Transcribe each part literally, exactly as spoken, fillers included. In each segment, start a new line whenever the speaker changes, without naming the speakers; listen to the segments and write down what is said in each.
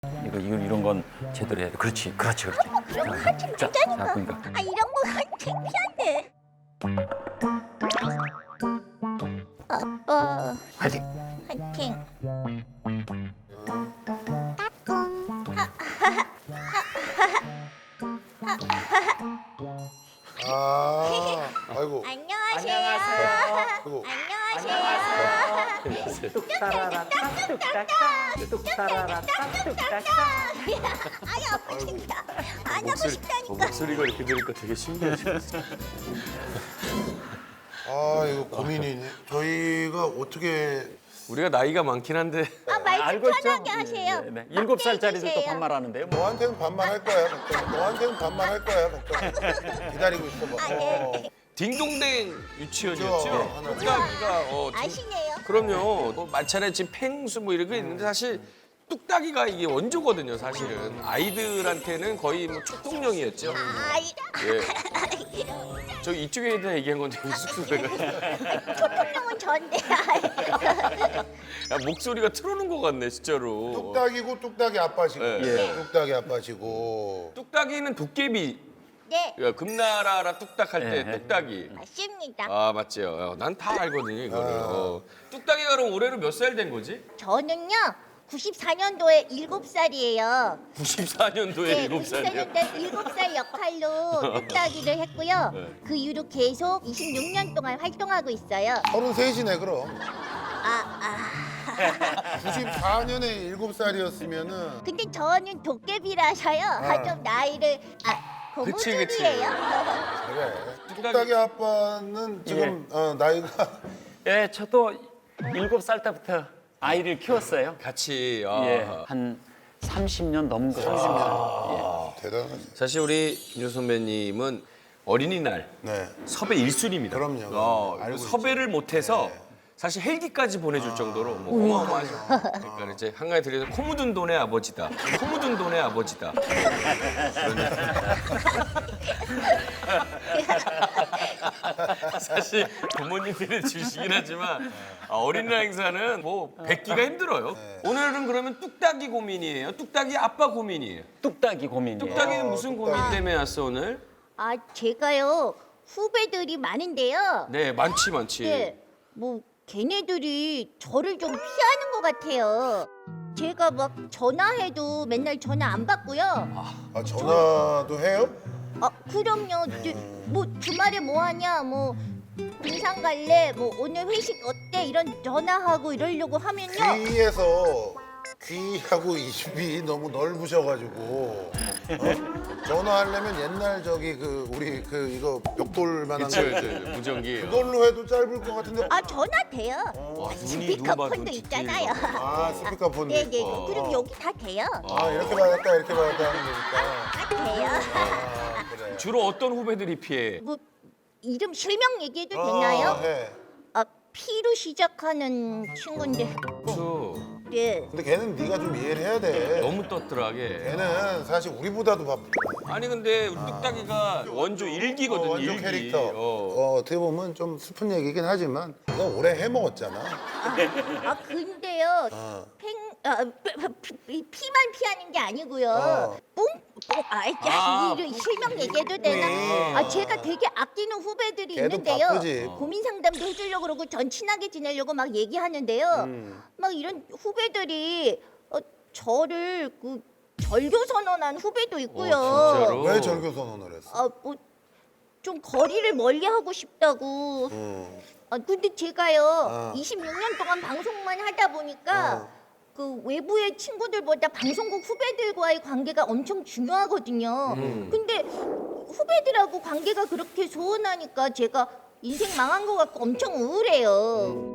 이거 이런 이런 건 제대로 해야 돼. 그렇지, 그렇지, 그렇지.
어, 그런 거 하지
자,
말자니까.
자, 그러니까.
아 이런 거 창피한데. 아빠
화이팅.
화이팅.
아, 아이고.
안녕하세요.
아이고.
안녕하세요.
뚝따라라 뚝딱딱 뚝따라라 뚝딱딱.
아이 아빠 진짜 안 하고
목소리, 어,
싶다니까.
목소리가 이렇게 들으니까 되게 신기하시네.
아, 이거 고민이네. 저희가 어떻게
우리가 나이가 많긴 한데
아 말 좀
알고 있죠?
편하게 하세요.
네, 네. 일곱 살짜리도 또
해주세요.
반말하는데요. 뭐.
너한테는 반말할 거야. 걱정. 너한테는 반말할 거야. 걱정. 기다리고 있어봐.
아, 네.
어.
딩동댕 유치원이었죠.
그렇죠. 하나.
뚝딱이가 어, 딩-
아시네요.
그럼요. 뭐 마차례 집 팽수 뭐 이런 게 있는데 사실 뚝딱이가 이게 원조거든요. 사실은 아이들한테는 거의 뭐 축복령이었죠.
아이
예. 저 이쪽에 다 얘기한 건데 쑥쑥해가
초통령은 전데.
야, 목소리가 틀어놓은 것 같네 진짜로.
뚝딱이고 뚝딱이 아빠시고.
네.
뚝딱이 아빠시고.
뚝딱이는 도깨비.
네
그러니까 금나라라 뚝딱 할 때
네.
뚝딱이.
맞습니다.
아 맞죠. 난 다 알거든요 이거를. 어. 뚝딱이가 그럼 올해로 몇 살 된 거지?
저는요 구십사 년도에 일곱 살이에요.
구십사 년도에
네,
일곱
구십사
살이요.
년도에 일곱 살 역할로 뚝딱이를 했고요.
네.
그 이후로 계속 이십육 년 동안 활동하고 있어요.
서른셋이네 그럼.
아, 아.
구십사 년에 일곱 살이었으면은
근데 저는 도깨비라서요. 아, 좀 나이를 아
그치, 그치.
고무줄이에요.
그래. 뚝딱이 아빠는 지금 어, 나이가
예, 저도 일곱 살 때부터 아이를 키웠어요.
같이. 아.
예, 한 삼십 년 넘은 것 같아요.
대단하지.
사실 우리 김효 선배님은 어린이날
네.
섭외 일 순위입니다.
그럼요.
어,
알고 있죠.
섭외를 못해서 사실 헬기까지 보내줄 정도로 뭐 어마어마하죠. 그러니까 이제 한가위 들려서 코 묻은 돈의 아버지다. 코 묻은 돈의 아버지다. 사실 부모님들이 주시긴 하지만 아, 어린이날 행사는 뭐 뵙기가 힘들어요. 오늘은 그러면 뚝딱이 고민이에요. 뚝딱이 아빠 고민이에요.
뚝딱이 고민이에요.
뚝딱이는 무슨 고민 때문에 왔어 오늘?
아 제가요 후배들이 많은데요.
네 많지 많지.
네, 뭐 걔네들이 저를 좀 피하는 것 같아요. 제가 막 전화해도 맨날 전화 안 받고요.
아 전화도 해요?
아 그럼요. 저, 뭐 주말에 뭐 하냐, 뭐 등산 갈래, 뭐 오늘 회식 어때 이런 전화하고 이러려고 하면요.
귀에서 귀하고 입이 너무 넓으셔가지고 어? 전화하려면 옛날 저기 그 우리 그 이거 벽돌만한
그쵸,
거
그쵸, 무전기.
그걸로 해도 짧을 것 같은데
아 전화 돼요.
와,
아,
눈이 누가 봐도
스피커폰도
눈
있잖아요.
아 스피커폰도
네네.
있고
그럼 여기 다 돼요.
아 이렇게 받았다 이렇게 받았다 하는 거니까
다 돼요.
아 그래
주로 어떤 후배들이 피해?
뭐 이름 실명 얘기해도
아,
되나요?
해.
아 피로 시작하는 친구인데.
수
네.
근데 걔는 네가 좀 이해를 해야 돼
너무 떴더라게.
걔는 사실 우리보다도 바쁘
아니 근데 우리 뚝딱이가 원조 일기거든
어, 완전
일기.
캐릭터
어.
어, 어떻게 보면 좀 슬픈 얘기긴 하지만 너 오래 해먹었잖아
아 근데요.
어.
팽, 아, 피, 피, 피만 피하는 게 아니고요.
어.
뿡, 뿡, 아, 야,
아,
이 실명 얘기해도 되나?
뿡이.
아, 제가 되게 아끼는 후배들이
걔도
있는데요.
바쁘지.
고민 상담도 해주려고 그러고 전 친하게 지내려고 막 얘기하는데요.
음.
막 이런 후배들이 어, 저를 그 절교 선언한 후배도 있고요.
어, 진짜로?
왜 절교 선언을 했어?
아, 뭐 좀 거리를 멀리 하고 싶다고.
음.
아, 근데 제가요
어.
이십육 년 동안 방송만 하다 보니까
어.
그 외부의 친구들보다 방송국 후배들과의 관계가 엄청 중요하거든요.
음.
근데 후배들하고 관계가 그렇게 소원하니까 제가 인생 망한 것 같고 엄청 우울해요.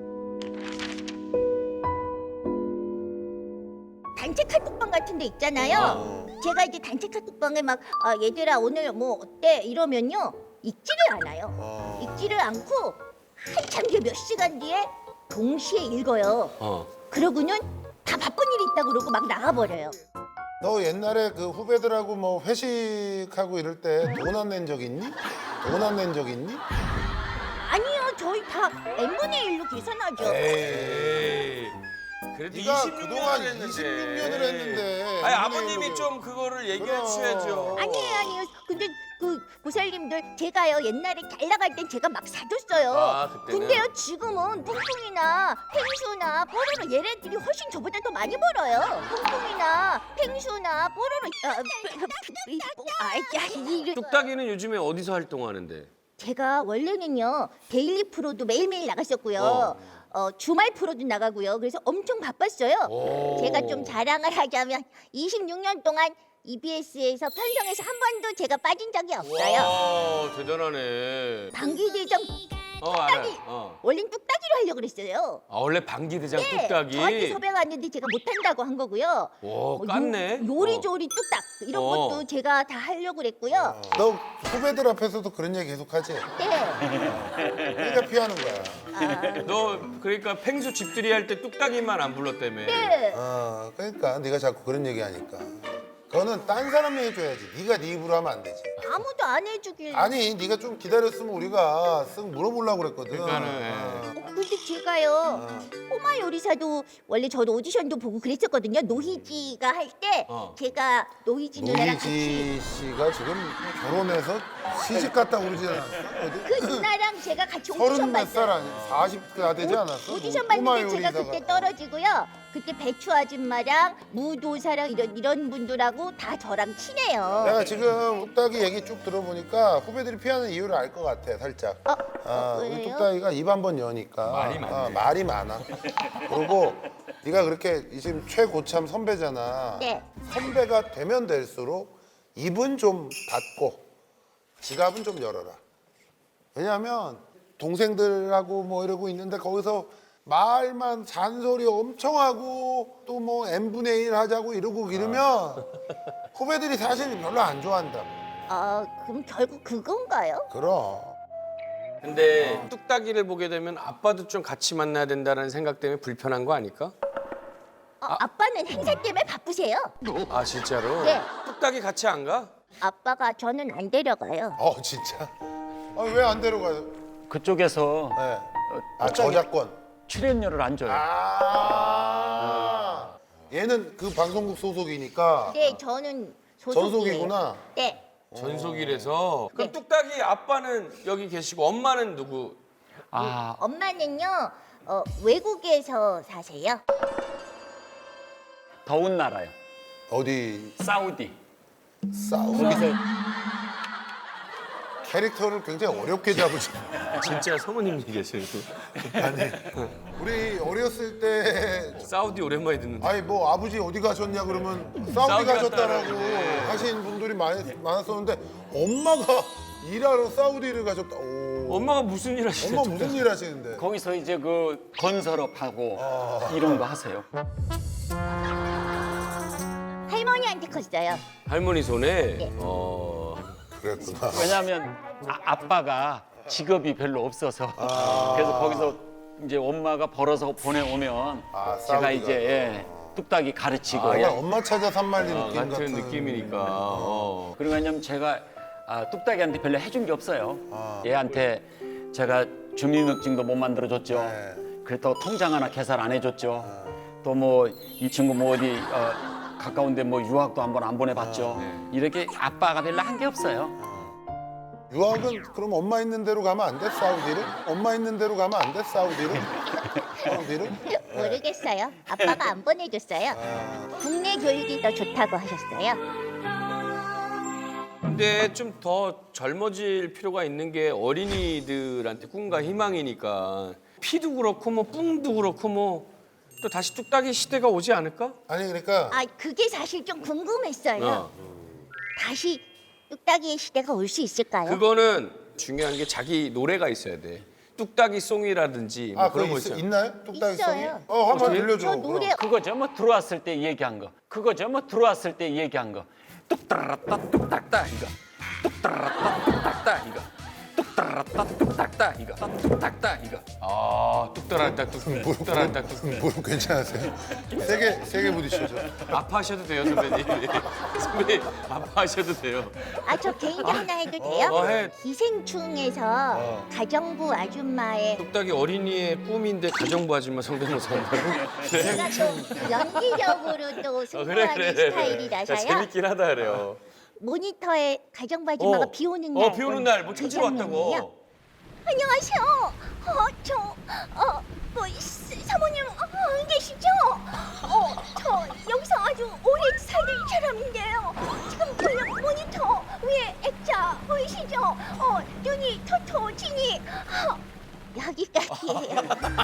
단체 카톡방 같은 데 있잖아요.
어.
제가 이제 단체 카톡방에 막 아, 얘들아 오늘 뭐 어때 이러면요 읽지를 않아요.
어.
읽지를 않고 한참 뒤에 몇 시간 뒤에 동시에 읽어요.
어.
그러고는 다 바쁜 일이 있다고 그러고 막 나가버려요.
너 옛날에 그 후배들하고 뭐 회식하고 이럴 때 돈 안 낸 적 있니? 돈 안 낸 적 있니?
아니요, 저희 다 엔 분의 일로 계산하죠.
에이.
그래도
네가
이십육
그동안
년을 했는데.
이십육 년을 했는데.
아니
이분의
아버님이
일로
좀 그거를 얘기해
그럼.
주셔야죠.
아니에요, 아니에요. 근데 그 보살님들 제가요 옛날에 잘 나갈 땐 제가 막 사줬어요.
아, 그때는?
근데요 지금은 뿡뿡이나 펭수나 뽀로로 얘네들이 훨씬 저보다 더 많이 벌어요. 뿡뿡이나 펭수나 뽀로로 아, 아야 이
뚝딱이는 요즘에 어디서 활동하는데?
제가 원래는요 데일리 프로도 매일매일 나갔었고요.
어.
어, 주말 프로도 나가고요. 그래서 엄청 바빴어요.
오.
제가 좀 자랑을 하자면 이십육 년 동안 이비에스에서 편성해서 한 번도 제가 빠진 적이 없어요.
와 대단하네.
방귀대장
어 알아.
뚝딱이.
어.
원래는 뚝딱이로 하려고 그랬어요.
아 원래 방귀대장
네,
뚝딱이.
저한테 섭외가 왔는데 제가 못한다고 한 거고요.
오
뭐
깠네.
요, 요리조리 뚝딱 이런
어.
것도 제가 다 하려고 그랬고요.
너 후배들 앞에서도 그런 얘기 계속 하지?
네.
그러니까 피하는 거야.
아,
너 그러니까 펭수 집들이 할 때 뚝딱이만 안 불렀다며.
네.
어, 그러니까 네가 자꾸 그런 얘기 하니까. 그거는 딴 사람이 해줘야지. 네가 네 입으로 하면 안 되지.
아무도 안 해주길.
아니, 네가 좀 기다렸으면 우리가 쓱 물어보려고 그랬거든.
그러니까는,
어.
어, 근데 제가요 꼬마 요리사도 원래 저도 오디션도 보고 그랬었거든요. 노희지가 할 때
어.
제가 노희지 누나랑 같이
노희지 씨가 지금 결혼해서 시집 갔다 오르지 않았어? 어디?
그 누나랑 제가 같이
서른
오디션
몇 살
봤어요.
아니? 사십가 되지 않았어?
오디션
뭐 꼬마
봤는데 제가
요리사가.
그때 떨어지고요. 그때 배추 아줌마랑 무도사랑 이런 이런 분들하고 다 저랑 친해요.
내가 지금 뚝딱이 얘기 쭉 들어보니까 후배들이 피하는 이유를 알 것 같아, 살짝.
어,
아,
어,
우리
왜요?
뚝딱이가 입 한 번 여니까
말이 많네.
아, 말이 많아. 그리고 네가 그렇게 지금 최고참 선배잖아.
네.
선배가 되면 될수록 입은 좀 닫고 지갑은 좀 열어라. 왜냐하면 동생들하고 뭐 이러고 있는데 거기서 말만 잔소리 엄청 하고 또 뭐 엠분의 일 하자고 이러고 이러면 후배들이 사실 별로 안 좋아한다.
아 그럼 결국 그건가요?
그럼.
근데 뚝딱이를 보게 되면 아빠도 좀 같이 만나야 된다는 생각 때문에 불편한 거 아닐까?
어, 아빠는 행사 때문에 바쁘세요.
아 진짜로?
네.
뚝딱이 같이 안 가?
아빠가 저는 안 데려가요.
어 진짜? 아, 왜 안 데려가요?
그쪽에서
네. 아
뚝딱이-
저작권.
출연료를 안 줘요.
아. 얘는 그 방송국 소속이니까
네, 저는 소속이에요.
전속이구나.
네.
전속이라서. 그럼
네.
뚝딱이 아빠는 여기 계시고 엄마는 누구?
아,
엄마는요 어, 외국에서 사세요.
더운 나라요.
어디
사우디.
싸우고
거기서
캐릭터를 굉장히 어렵게 잡으시.
진짜 사모님 얘기하시는
우리 어렸을 때
사우디 오랜만에 듣는데.
아니 뭐 아버지 어디 가셨냐 그러면 사우디
사우디
가셨다라고
갔다라고. 네.
하신 분들이 많이 많았었는데 엄마가 일하러 사우디를 가셨다. 오.
엄마가 무슨 일 하시는
엄마 무슨 일 하시는데?
거기서 이제 그 건설업하고
아.
이런 거 하세요.
할머니한테 컸어요.
할머니 손에
네.
어
그랬구나.
왜냐하면 아, 아빠가 직업이 별로 없어서 그래서 거기서 이제 엄마가 벌어서 보내오면
아,
제가
사우디가.
이제 예, 뚝딱이 가르치고
아, 약간 엄마 찾아 산말리
아,
느낌
같은
같은
느낌이니까. 어.
그리고 왜냐면 제가 아, 뚝딱이한테 별로 해준 게 없어요.
아.
얘한테 제가 주민등록증도 못 만들어줬죠.
네.
그렇다고 통장 하나 개설 안 해줬죠. 또 뭐 이 친구 뭐 어디 어, 가까운데 뭐 유학도 한번 안 보내봤죠. 이렇게 아빠가 별로 한 게 없어요.
유학은 그럼 엄마 있는 대로 가면 안 돼? 사우디를? 엄마 있는 대로 가면 안 돼? 사우디를? 사우디를?
모르겠어요. 아빠가 안 보내줬어요. 국내 교육이 더 좋다고 하셨어요.
근데 좀 더 젊어질 필요가 있는 게 어린이들한테 꿈과 희망이니까 피도 그렇고 뭐 뿡도 그렇고 뭐 또 다시 뚝딱이 시대가 오지 않을까?
아니 그러니까
아 그게 사실 좀 궁금했어요.
어.
다시 뚝딱이의 시대가 올 수 있을까요?
그거는 중요한 게 자기 노래가 있어야 돼. 뚝딱이 송이라든지 뭐
아
그런
그거
거
있,
있잖아.
있나요? 뚝딱이 성이?
있어요.
어 한번
어떻게?
들려줘.
저 노래
그럼.
그거죠. 뭐 들어왔을 때 얘기한 거. 그거죠. 뭐 들어왔을 때 얘기한 거. 뚝따라따 뚝딱따 이거. 뚝따라따 뚝딱따 이거. 뚝따라 따라따 뚝딱딱 이거 뚝딱딱 이거.
아, 뚝 따라왔다, 뚝, 뚝 따라왔다, 뚝.
무릎 괜찮으세요? 세게 세게 부딪히죠.
아파하셔도 돼요, 선배님. 선배님, 아파하셔도 돼요.
아, 저 개인기 하나 해도 돼요?
어, 해.
기생충에서
어.
가정부 아줌마의
뚝딱이 어린이의 꿈인데 가정부 아줌마 성대모사 한다고? 네.
제가 또 연기력으로 또
어,
승부하는 스타일이라서요.
재밌긴 하다 그래요.
모니터에 가정부 아줌마가
어.
비 오는
어,
날.
비 오는 날 뭐 찾으러
장면이에요.
왔다고.
안녕하세요. 어, 저, 어, 뭐, 스- 사모님 어, 계시죠? 어, 저 여기서 아주 오래 살던 사람인데요. 지금 보이는 모니터 위에 액자 보이시죠? 어, 눈이 토토지니. 어, 여기까지예요.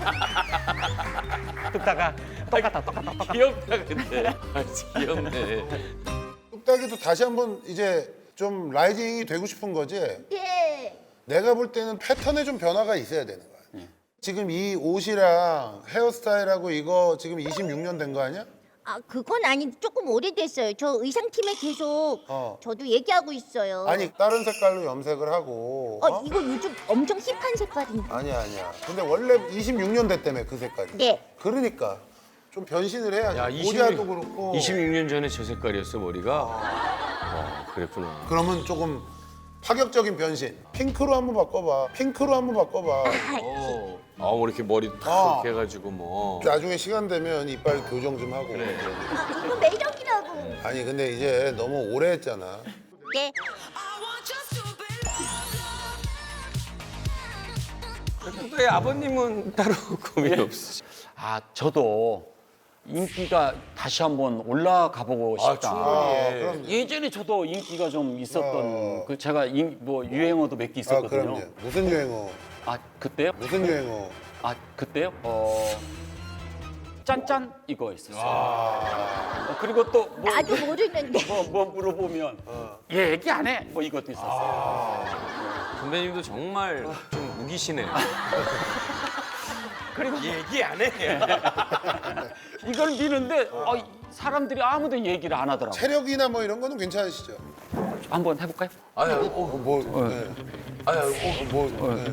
뚝딱아 똑같다 똑같다.
귀엽다 근데. 아, 진짜 귀엽네.
뚝딱이도 다시 한번 이제 좀 라이징이 되고 싶은 거지.
네.
내가 볼 때는 패턴에 좀 변화가 있어야 되는 거야. 지금 이 옷이랑 헤어스타일하고 이거 지금 이십육 년 된 거 아니야?
아, 그건 아닌데 조금 오래됐어요. 저 의상팀에 계속
어.
저도 얘기하고 있어요.
아니 다른 색깔로 염색을 하고.
어,
어?
이거 요즘 엄청 힙한 색깔인데.
아니야 아니야. 근데 원래 이십육 년 됐다며 그 색깔이.
네.
그러니까 좀 변신을 해야지.
야,
모자도 그렇고.
이십육 년 전에 저 색깔이었어 머리가. 어, 그랬구나.
그러면 조금 파격적인 변신. 핑크로 한번 바꿔봐. 핑크로 한번 바꿔봐.
어. 아, 뭐 이렇게 머리 탁
어.
이렇게 해가지고 뭐.
나중에 시간 되면 이빨 교정 좀 하고.
그래, 그래.
아, 이거 매력이라고.
아니 근데 이제 너무 오래 했잖아.
네.
뚝딱이 아버님은 따로 고민 없으시죠?
아 저도 인기가 다시 한번 올라가 보고
아,
싶다.
충분히.
아,
예.
그럼.
예전에 저도 인기가 좀 있었던
어.
그 제가 인, 뭐 유행어도 몇 개
아
있었거든요.
그럼요. 무슨 유행어?
아 그때요?
무슨 유행어?
아 그때요? 어 짠짠 이거 있었어요. 어, 그리고 또뭐
나도 모르는데.
뭐, 뭐 물어보면 얘 얘기 안 해. 뭐 이것도 있었어요.
선배님도 정말 좀 우기시네요.
그리고
얘기 안 해.
이걸 미는데 어, 사람들이 아무도 얘기를 안 하더라고. 요
체력이나 뭐 이런 거는 괜찮으시죠?
한번 해볼까요?
아유, 어,
어, 뭐, 네.
아유, 어,
어, 뭐, 네.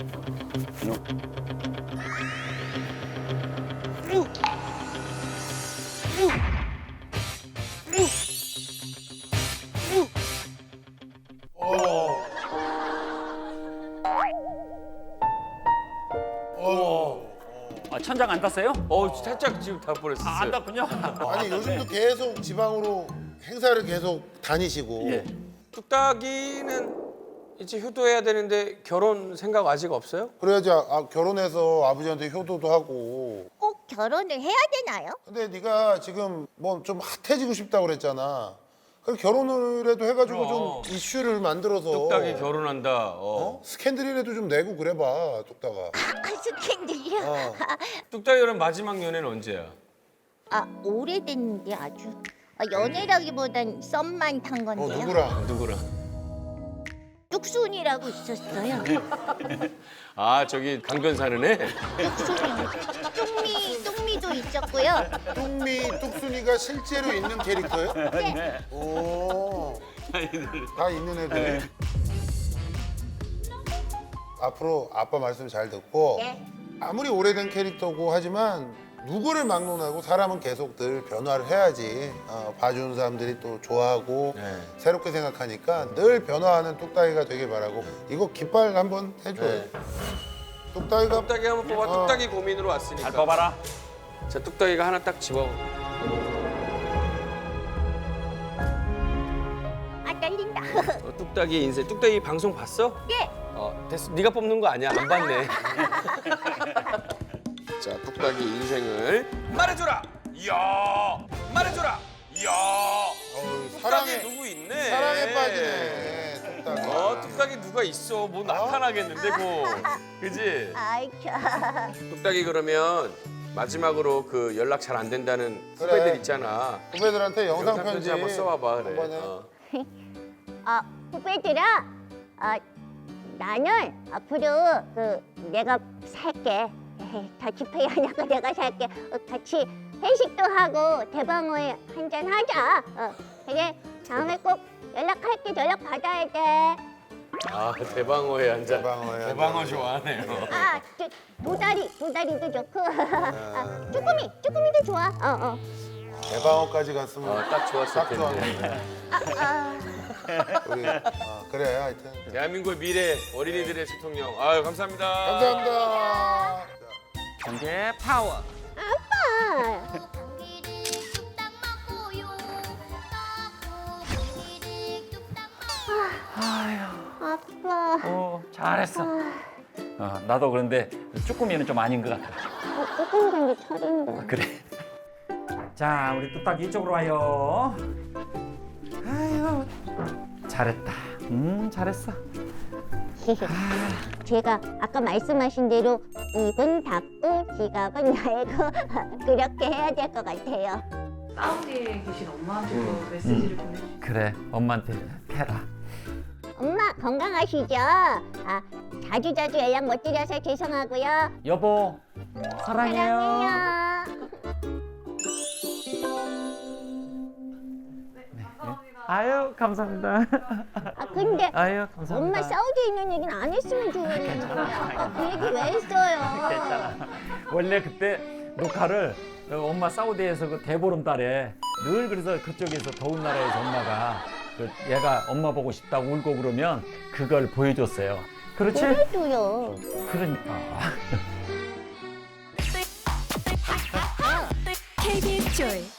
아, 천장 안 땄어요?
어, 살짝 지금 다 버렸어요.
아, 안 땄군요.
아니 요즘도 계속 지방으로 행사를 계속 다니시고.
예.
뚝딱이는 이제 효도해야 되는데 결혼 생각 아직 없어요?
그래야지 아, 아, 결혼해서 아버지한테 효도도 하고.
꼭 결혼을 해야 되나요?
근데 네가 지금 뭐 좀 핫해지고 싶다고 그랬잖아. 그럼 결혼을 해도 해가지고
그럼.
좀 이슈를 만들어서.
뚝딱이 결혼한다. 어.
어? 스캔들이라도 좀 내고 그래봐, 뚝딱아.
아, 스캔들이요?
어.
뚝딱이 결혼 마지막 연애는 언제야?
아, 오래됐는데 아주. 아, 연애라기보단 썸만 탄
어,
건데요.
누구랑?
누구랑?
뚝순이라고 있었어요.
아, 저기 강변 사는 애?
뚝순이. 뚝미, 뚝미도 있었고요.
뚝미, 뚝순이가 실제로 있는 캐릭터예요?
네.
오. 다 있는 애들. 앞으로 아빠 말씀 잘 듣고
네.
아무리 오래된 캐릭터고 하지만 누구를 막론하고 사람은 계속 늘 변화를 해야지 어, 봐주는 사람들이 또 좋아하고
네.
새롭게 생각하니까 늘 변화하는 뚝딱이가 되길 바라고 이거 깃발 한번 해줘요.
네.
뚝딱이가
뚝딱이 한번 뽑아.
어.
뚝딱이 고민으로 왔으니까.
잘 뽑아라.
자, 뚝딱이가 하나 딱 집어.
아, 떨린다.
어, 뚝딱이 인생. 뚝딱이 방송 봤어?
네.
어, 됐어. 네가 뽑는 거 아니야. 안 봤네. 자, 뚝딱이 인생을 말해줘라. 이야, 말해줘라. 이야.
어우,
뚝딱이
사랑에
누구 있네.
사랑에 빠지네 뚝딱이.
어, 뚝딱이 누가 있어. 뭐 나타나겠는데, 고. 그지?
아이, 참.
뚝딱이 그러면 마지막으로 그 연락 잘 안 된다는
그래.
후배들 있잖아.
후배들한테 영상
영상
편지
편지 한번 써와봐. 그래.
한번 해.
어.
아, 후배들아, 아, 나는 앞으로 그 내가 살게. 더치페이 하냐고 내가 살게. 어, 같이 회식도 하고 대방어에 한잔 하자. 어, 그래, 다음에 꼭 연락할게. 연락 받아야 돼.
아 대방어에 앉아.
대방어에
대방어
앉아.
좋아하네요.
아, 저, 도다리, 도다리도 좋고. 아, 쭈꾸미, 쭈꾸미도 좋아. 어, 어.
대방어까지 갔으면
아, 딱 좋았을
딱
텐데.
좋았는데.
아,
우리 어, 그래 하여튼
대한민국의 미래 어린이들의 대통령. 아유 감사합니다.
감사합니다.
경제 파워.
아빠.
공기를 뚝딱 먹고요. 떡국 공기를 뚝딱 먹고.
아빠.
어, 잘했어. 어, 나도 그런데 쭈꾸미는 좀 아닌 것 같아.
어, 쭈꾸미 경기 철인데.
그래. 자, 우리 뚝딱 이쪽으로 와요. 아유, 잘했다. 음, 잘했어.
제가 아까 말씀하신 대로 입은 닫고 지갑은 열고 그렇게 해야 될 것 같아요.
사우디에 계신 엄마한테도 메시지를 보내주세요.
그래, 엄마한테 패라.
엄마 건강하시죠? 아, 자주 자주 연락 못 드려서 죄송하고요.
여보, 사랑해요.
사랑해요.
아유, 감사합니다.
아 근데
아유, 감사합니다.
엄마 사우디에 있는 얘기는 안 했으면 좋겠는데 그 얘기 왜 했어요?
괜찮아. 원래 그때 녹화를 엄마 사우디에서 그 대보름달에 늘 그래서 그쪽에서 더운 나라에서 엄마가 그 얘가 엄마 보고 싶다고 울고 그러면 그걸 보여줬어요. 그렇지?
그래도요.
그러니까.
케이비에스 조이